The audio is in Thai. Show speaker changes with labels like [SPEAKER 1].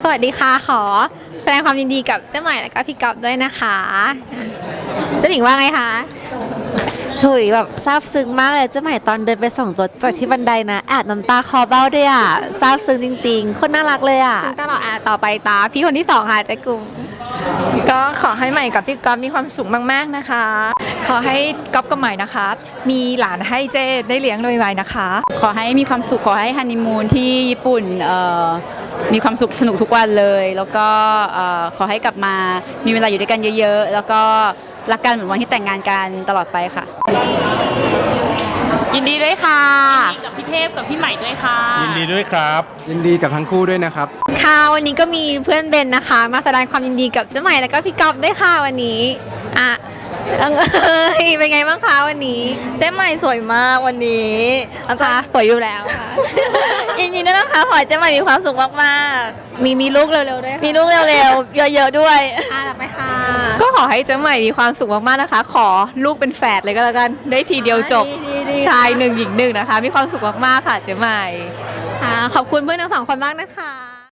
[SPEAKER 1] สวัสดีค่ะขอแสดงความยินดีกับเจ้าใหม่และก็พี่ก๊อฟด้วยนะคะเจ้าหญิงว่าไงคะ
[SPEAKER 2] หุยแบบซาบซึ้งมากเลยเจ้าใหม่ตอนเดินไปส่งตัวจากที่บันไดนะแอบน้ำตาคลอเบ้าด้วยอ่ะซาบซึ้งจริงๆคนน่ารักเลยอ่ะ
[SPEAKER 1] คุณตลอดต่อไปตาพี่คนที่สองค่ะเจ๊กุ้ง
[SPEAKER 3] ก็ขอให้ใหม่กับพี่ก๊อฟมีความสุขมากๆนะคะ ขอให้ก๊อฟกับใหม่นะคะ มีหลานให้เจได้เลี้ยงโดยไวๆนะคะ
[SPEAKER 4] ขอให้มีความสุขขอให้ฮันนีมูนที่ญี่ปุ่นมีความสุขสนุกทุกวันเลย แล้วก็ขอให้กลับมามีเวลาอยู่ด้วยกันเยอะๆแล้วก็รักกันเหมือนวันที่แต่งงานกันตลอดไปค่ะ
[SPEAKER 2] ยินดีด้วยค่ะ
[SPEAKER 5] กับพี่เทพกับพี่ใหม่ด้วยค่ะ
[SPEAKER 6] ยินดีด้วยครับ
[SPEAKER 7] ยินดีกับทั้งคู่ด้วยนะครับ
[SPEAKER 1] ค่ะวันนี้ก็มีเพื่อนเบนนะคะมาแสดงความยินดีกับเจ้าใหม่และก็พี่ก๊อฟด้วยค่ะวันนี้เป็นไงบ้างคะวันนี้
[SPEAKER 2] เจ๊ใหม่สวยมากวันนี้แล้วก็
[SPEAKER 1] สวยอยู่แล้วค่ะ
[SPEAKER 2] ยินดีด้วยนะคะขอให้เจ๊ใหม่มีความสุขมาก
[SPEAKER 1] มีลูกเร็วๆด้วย
[SPEAKER 2] ๆมีลูกเร็วๆเยอะๆด้วย
[SPEAKER 1] ต่อไปค่ะ
[SPEAKER 3] ก็ขอให้เจ้าใหม่มีความสุขมากๆนะคะ ขอลูกเป็นแฝดเลยก็แล้วกันได้ทีเดียวจบชาย1 หญิง 1นะคะมีความสุขมากๆค่ะเจ้าใหม่
[SPEAKER 1] ค่ะขอบคุณเพื่อนทั้งสองคนมากนะคะ